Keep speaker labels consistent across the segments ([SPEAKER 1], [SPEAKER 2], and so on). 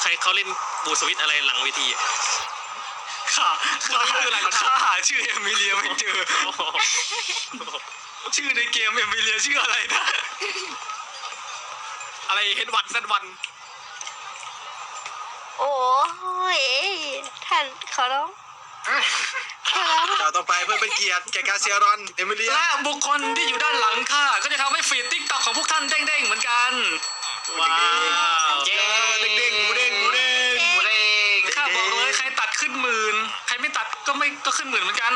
[SPEAKER 1] ใครเขาเล่นบูสวิตอะไรหลังเวทีอะ
[SPEAKER 2] ข้าหาชื่อเอมิเลียไม่เจอ ชื่อในเกมเอมิเลียชื่ออะไรนะ อะไรเฮดวันเซนวัน
[SPEAKER 3] โอ้ยท่านขอร้องขอร้อง
[SPEAKER 4] เราต้องไปเพื่อเป็นเกียรติแก่กาเซียรอนเอมิเลีย
[SPEAKER 2] และบุคคลที่อยู่ด้านหลังข้าก็จะทำให้ฟีดติ๊กต็อกของพวกท่านเด้งๆเหมือนกัน
[SPEAKER 1] ว้าว
[SPEAKER 2] เย้
[SPEAKER 4] เด้งๆหมูเด้งหมูเด้ง
[SPEAKER 2] หมูเด้งข้าบอกเลยใครตัดขึ้นหมื่นใครไม่ตัดก็ขึ้นหมื่นเหมือนกัน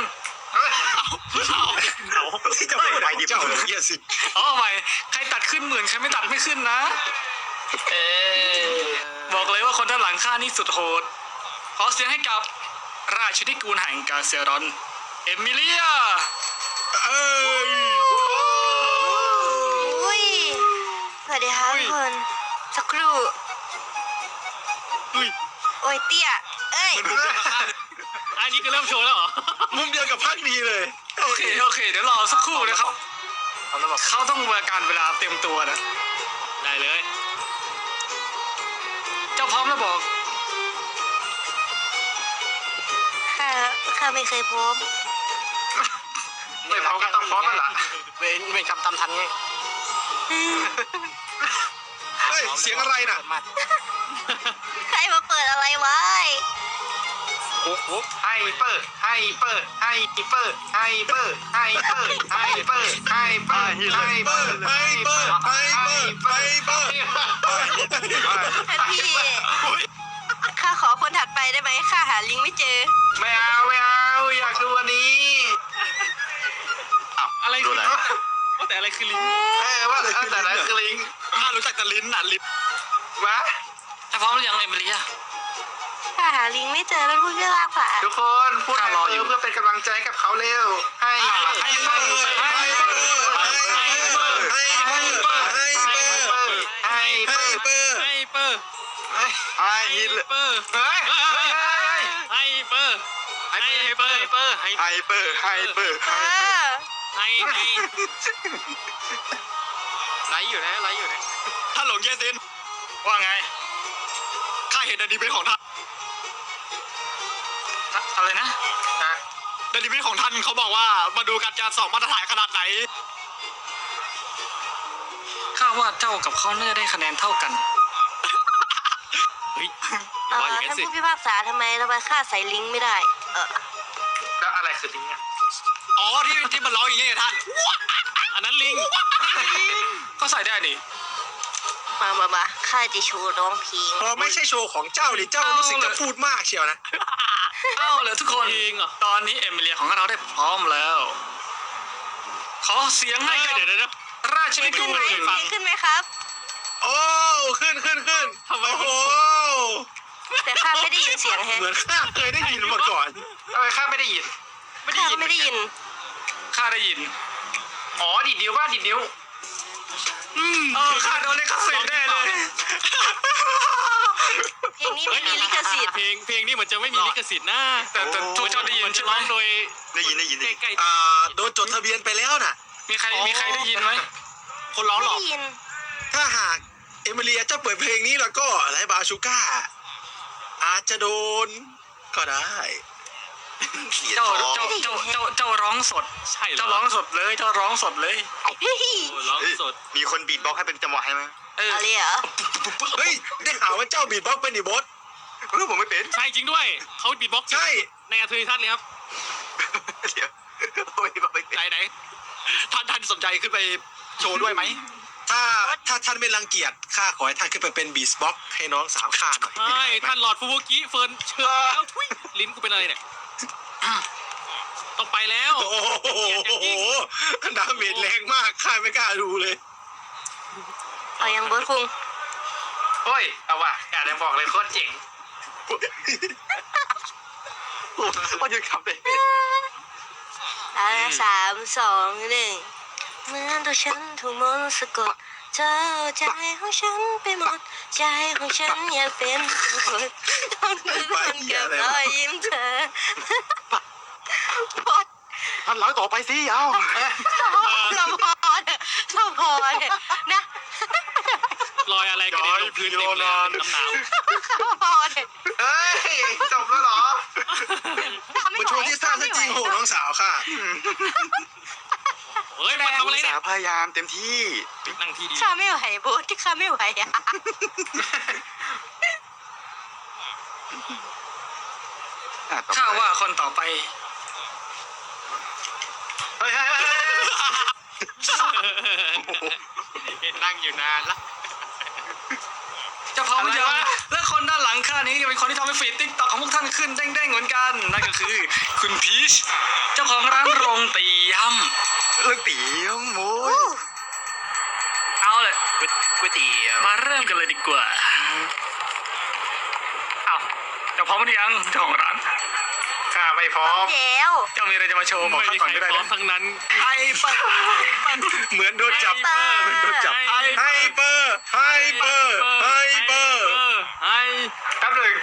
[SPEAKER 4] จะไม่ไปดิเจ้าเยี่ยสิ
[SPEAKER 2] เอาใหม่ใครตัดขึ้นหมื่นใครไม่ตัดไม่ขึ้นนะบอกเลยว่าคนด้านหลังข้านี่สุดโหดขอเสียงให้กับราชนิกูลแห่งกาเซียรอนเอมิเลีย
[SPEAKER 4] เอ้ย
[SPEAKER 3] อุ้ยสวัสดีครับทุกคนสักครู่
[SPEAKER 1] อุ้ย
[SPEAKER 3] โอ้ยเตี้ยเอ้ย
[SPEAKER 1] มันมุมเดียวกับข้าอันนี้ก็เริ่มโชว์แล้วเหรอ
[SPEAKER 4] มุมเดียวกับภาคนี้เลย
[SPEAKER 2] โอเคเดี๋ยวรอสักครู่นะครับเขาต้องเวลาการเวลาเต็มตัวนะ
[SPEAKER 1] ได้เลย
[SPEAKER 2] เจ้าพร้อมแล้วบอก
[SPEAKER 3] ข้าไม่เคยพบ
[SPEAKER 2] ไม่พร้อมก็ต้องพร้อมแล้วล่ะเวรกรรมตามทันไง
[SPEAKER 4] เฮ้ยเสียงอะไรน่ะ
[SPEAKER 3] ใครมาเปิดอะไรไว้
[SPEAKER 2] ไฮเปอร์ไฮเปอร์ไฮเปอร์ไฮเปอร์ไฮเปอร์ไฮเปอร์ไฮเปอร์ไฮเปอร์ไฮเปอร์ไฮเปอร์ไฮเปอร์
[SPEAKER 3] ท่านพี่ข้าขอคนถัดไปได้ไหมข้าหาลิงก์ไม่เจอ
[SPEAKER 2] ไม่เอาอยากดูอันนี้
[SPEAKER 1] อะไรคือ
[SPEAKER 4] ดูอะไร
[SPEAKER 1] ว่าแต่อะไรคือลิง
[SPEAKER 2] ว่าแต่ละคือลิง
[SPEAKER 4] ข้ารู้จักแต่ลิ้นน่ะลิ้น
[SPEAKER 2] วะถ้าพร้อมหรือยังเอมิเลีย
[SPEAKER 3] ข้าหาลิงก์ไม่เจอแล้วพูดไม่ลากผ่าน
[SPEAKER 2] ทุกคนพูดไฮเปอร์เพื่อเป็นกำลังใจกับเขาเร็วไฮเปอร์ไฮเปอร์ไฮเปอร์ไฮเปอร์ไฮเปอร์ไฮเปอร์
[SPEAKER 4] เปอร์
[SPEAKER 1] ไฮเปอร์
[SPEAKER 4] ไฮ
[SPEAKER 1] ไฮ
[SPEAKER 4] ฮิต
[SPEAKER 1] เปอร์
[SPEAKER 2] เฮ้ย
[SPEAKER 1] ไฮเปอร์ไฮเปอร์ไฮ
[SPEAKER 4] ไฮเปอร์ไฮเปอร์
[SPEAKER 3] เออ
[SPEAKER 1] ไฮไลฟ์อยู่นะ
[SPEAKER 4] ท่านหลงเยซิน
[SPEAKER 2] ว่าไง
[SPEAKER 4] ข้าเห็นอนิเมะของท่าน
[SPEAKER 2] อะไรนะ
[SPEAKER 4] อนิเมะของท่านเขาบอกว่ามาดูกันจะสองมาตรฐานขนาดไหน
[SPEAKER 2] ข้าว่าเจ้ากับเขาน่าจะได้คะแนนเท่ากัน
[SPEAKER 1] เฮ้ยว่าอย่างนั้น
[SPEAKER 3] ท่าน
[SPEAKER 1] สิ
[SPEAKER 3] ผู้พิพากษาทำไมข้าใส่ลิงก์ไม่ได้
[SPEAKER 2] แล้วอะไรคือลิงก์
[SPEAKER 4] อ๋อที่มันร้องอย่างเงี้ยท่าน
[SPEAKER 1] อันนั้นลิง
[SPEAKER 2] ก็ใส่ได้นี่
[SPEAKER 3] มาข้าจะโชว์ร้องเพลง
[SPEAKER 4] พอไม่ใช่โชว์ของเจ้าดิเจ้ารู้สึกจะพูดมากเชียวนะ
[SPEAKER 2] เอาเลยทุกคน
[SPEAKER 1] จริงเหรอ
[SPEAKER 2] ตอนนี้เอมิเลียของเราได้พร้อมแล้ว ขอเสียงให้กับ
[SPEAKER 1] เดี๋ยว
[SPEAKER 2] ราชนิกู
[SPEAKER 3] ขึ้น
[SPEAKER 2] ล
[SPEAKER 3] ไหมขึ้นไหมครับ
[SPEAKER 4] โอ้ขึ้นโอ้โห
[SPEAKER 3] แต่ข้าไม่ได้ยินเสียงแฮะ
[SPEAKER 4] เหมือนข้าเคยได้ยินมาก่อน
[SPEAKER 2] ทำไมข้าไม่ได้ยิน
[SPEAKER 3] ข้าก็ไม่ได้ยิน
[SPEAKER 2] ข้าได้ยิน อ๋อดิดนิ้วว่าดิดนิ้วข้าโดนลิขสิทธิ์แน่เลย
[SPEAKER 3] เพลงนี้ไม่มีลิขสิทธิ์
[SPEAKER 1] เพลงนี้เหมือนจะไม่มีลิขสิทธิ์นะ
[SPEAKER 2] แต่ทุกเจ้าได้ยิน
[SPEAKER 1] มันจะ
[SPEAKER 2] ใช่ไหม
[SPEAKER 1] ร้องโดย
[SPEAKER 4] ได้ยิน
[SPEAKER 1] ใกล้
[SPEAKER 4] โดนจดทะเบียนไปแล้วน่ะ
[SPEAKER 2] มีใครได้ยินไหม
[SPEAKER 1] ๆคนร้องหร
[SPEAKER 3] ไม่
[SPEAKER 1] อ
[SPEAKER 3] ได้ยิน
[SPEAKER 4] ถ้าหากเอมิเลียเจ้าเปิดเพลงนี้แล้วก็ไรบาชูก้าอาจจะโดนก็ได้
[SPEAKER 2] เจ้าร้องสด
[SPEAKER 1] ใช่เหรอ
[SPEAKER 2] เจ้าร้องสดเลยเจ้าร้องสดเลย
[SPEAKER 3] เฮ้ย
[SPEAKER 1] โอ้ร้องสด
[SPEAKER 4] มีคนบีทบ็อกให้เป็นจังหวะให้ไหม
[SPEAKER 3] อะไรเหรอ
[SPEAKER 4] เฮ้ยได้ข่าวว่าเจ้าบีทบ็อกเป็นดิบอสผมไม่เป็น
[SPEAKER 1] ใช่จริงด้วยเขาบีทบ็อกซ์
[SPEAKER 4] ใช่
[SPEAKER 1] ในอาเทอร์ทัศน์เลยครับ
[SPEAKER 4] เดี๋ยวไม่เป็น
[SPEAKER 1] ไหน
[SPEAKER 4] ท่านสนใจขึ้นไปโชว์ด้วยไหมถ้าท่านไม่รังเกียจข้าขอให้ท่านขึ้นไปเป็นบีทบ็อกให้น้องสาวข้าหน่อย
[SPEAKER 1] ใช่ท่านหลอดฟูบุกิเฟิร์นเชิญแล้วทุยลิ้นกูเป็นอะไรเนี่ยต้องไปแล้ว
[SPEAKER 4] โอ้โหดาเมจแรงมากข้าไม่กล้าดูเลย
[SPEAKER 3] เอายังเบิร์ดคุง
[SPEAKER 2] เฮ้ยเอาว่ะอยากจะบอกเลยโคตรเจ๋ง
[SPEAKER 4] ก็ยังขับเลย
[SPEAKER 3] 3 2 1เหมือนตัวฉันถูกมนต์สะกดเธอเอาใจของฉันไปหมดใจของฉันอยากเป็นคนต้องรู้คนกับรอยยิ้มเธอพอด
[SPEAKER 4] ท่านหลังต่อไปสิเอา
[SPEAKER 3] เราพอเนี่ยนะ
[SPEAKER 1] รอยอะไรกระเด็นลงพื้นเต็มเลยเป็นน้ำหนาว
[SPEAKER 3] เราพอ
[SPEAKER 1] เฮ้ยมาทำอะไร
[SPEAKER 2] อุต
[SPEAKER 1] เนี่
[SPEAKER 2] สาย ห์พยายามเต็มที่
[SPEAKER 1] นั่งที่ดี
[SPEAKER 3] ข้าไม่ไหวโบ๊ทที่ข้าไม่ไหวอ่ะ
[SPEAKER 2] ต่อ
[SPEAKER 4] ข้า
[SPEAKER 2] ไป
[SPEAKER 4] ว่าคนต่อไป
[SPEAKER 2] เฮ้ย
[SPEAKER 1] นั่งอยู่นานละ
[SPEAKER 4] จะพร้อมยังและคนด้านหลังข้านี้เป็นคนที่ทำให้ฟีดติ๊กต็อกของพวกท่านขึ้นเด้งๆเหมือนกันนั่นก็คือคุณพีชเจ้าของร้านโรงตีย
[SPEAKER 2] เรื่องตีโม้ย
[SPEAKER 4] ำเอาเลย
[SPEAKER 2] ก๋วยเตี๋ยว
[SPEAKER 4] มาเริ่มกันเลยดีกว่าเอาจะพร้อมหรือยังเจ้าของร้าน
[SPEAKER 2] ข้าไม่พร้อม
[SPEAKER 3] แล้ว
[SPEAKER 4] เจ้ามีอะไรจะมาโชว์บอก
[SPEAKER 1] ไม่
[SPEAKER 4] ข้า
[SPEAKER 1] มี
[SPEAKER 4] ก่อน
[SPEAKER 1] ใคร
[SPEAKER 4] ก็ได้
[SPEAKER 1] พร้อม
[SPEAKER 4] นะ
[SPEAKER 1] ทั้งนั้น
[SPEAKER 4] ไฮเปอร์เหมือนโดนจับ
[SPEAKER 1] ไฮเปอร์
[SPEAKER 4] เหมือนโดนจับ
[SPEAKER 1] ไฮ
[SPEAKER 4] ไฮเปอร์ไฮเปอร์ไฮเปอร์
[SPEAKER 1] ไฮ
[SPEAKER 2] แป๊บหนึ่ง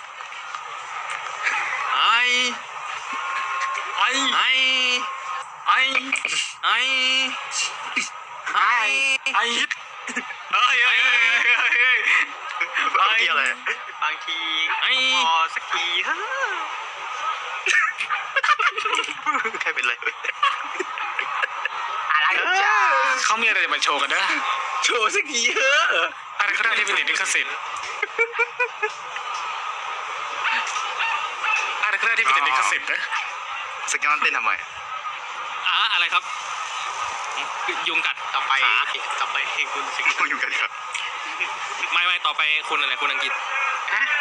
[SPEAKER 1] ไฮ
[SPEAKER 4] ไฮ
[SPEAKER 1] ไฮ
[SPEAKER 4] ไฮ
[SPEAKER 1] ไฮไฮ
[SPEAKER 4] ไฮฮิตเฮ้ยเฮ้ยเฮ้ยเฮ้ยเฮ้ย
[SPEAKER 2] เมื่อกี้อะไร
[SPEAKER 1] บางทีไฮ
[SPEAKER 2] พอสักทีเฮ้ใครเป็นไร
[SPEAKER 3] อะไรจ้า
[SPEAKER 4] เขามีอะไรจะมาโชว์กันนะโชว์สักทีเถอะอะไรก็ได้ที่เป็นลิขสิทธิ์อะไรก็ได้ที่เป็นลิขสิทธิ์นะ
[SPEAKER 2] สกิลเต้นทำไม
[SPEAKER 1] อะไรครับ ยุงกัด
[SPEAKER 2] ต่อไป
[SPEAKER 1] ต่อไปให้คุณสิ
[SPEAKER 2] อยู่กันครับ
[SPEAKER 1] ไม่ต่อไปคุณอะไรคุณอังกฤษ
[SPEAKER 2] ฮะ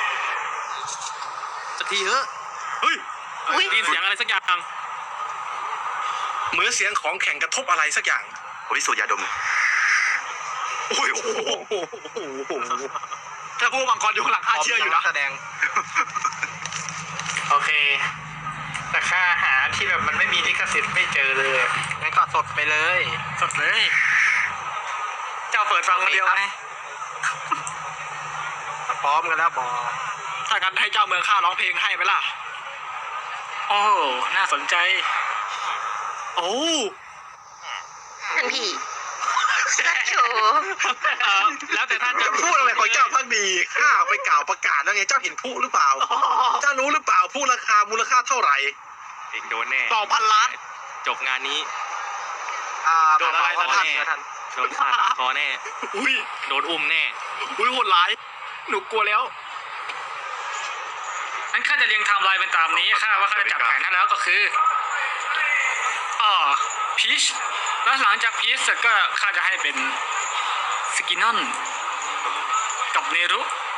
[SPEAKER 1] สักทีเถอะ
[SPEAKER 4] เฮ้ย
[SPEAKER 3] อุ้ย
[SPEAKER 1] ได้ยินเสียงอะไรสักอย่าง
[SPEAKER 4] เหมือนเสียงของแข่งกระทบอะไรสักอย่าง
[SPEAKER 2] โอ้ยสูดยาดม
[SPEAKER 4] โอ้ยโอ้โหถ้าผู้บังกรอยู่ข้างหลังข้าเชื่ออยู่นะ
[SPEAKER 2] แสดง โอเค แต่ค่าหาที่แบบมันไม่มีลิขสิทธิ์ไม่เจอเลยงั้นก็สดไปเลย
[SPEAKER 4] สดเลย เจ้าเปิดฟังคนเดียวไหม
[SPEAKER 2] พร้อมกันแล้วบอ
[SPEAKER 4] ถ้างั้นให้เจ้าเมืองข้าร้องเพลงให้ไหมล่ะ โอ้ น่าสนใจ โอ้
[SPEAKER 3] ท่านพี่รักโช
[SPEAKER 1] แล้วแต่ท่านจะ
[SPEAKER 4] พูดอะไรของเจ้าพักดีข้าไปกล่าวประกาศแล้วไงเจ้าเห็นผู้หรือเปล่า เจ้ารู้หรือเปล่าผู้ราคามูลค่าเท่าไหร่
[SPEAKER 1] เองโดนแน่
[SPEAKER 4] 2,000 ล้าน
[SPEAKER 1] จบงานนี้
[SPEAKER 2] โดนอะไร
[SPEAKER 1] โดนอะไร
[SPEAKER 2] ท่าน
[SPEAKER 1] โดนขาดคอแน่
[SPEAKER 4] อุ้ย
[SPEAKER 1] โดนอุ้มแน่
[SPEAKER 4] อุ้ยโหดร้าย หนูกลัวแล้วงั้นข้าจะเรียงไทม์ไลน์เป็นตามนี้ข้าว่าข้าจะจัดแผนให้แล้วก็คือพีชแล้วหลังจากพีชเสร็จก็ข้าจะให้เป็นสกินนอนกับเนรุ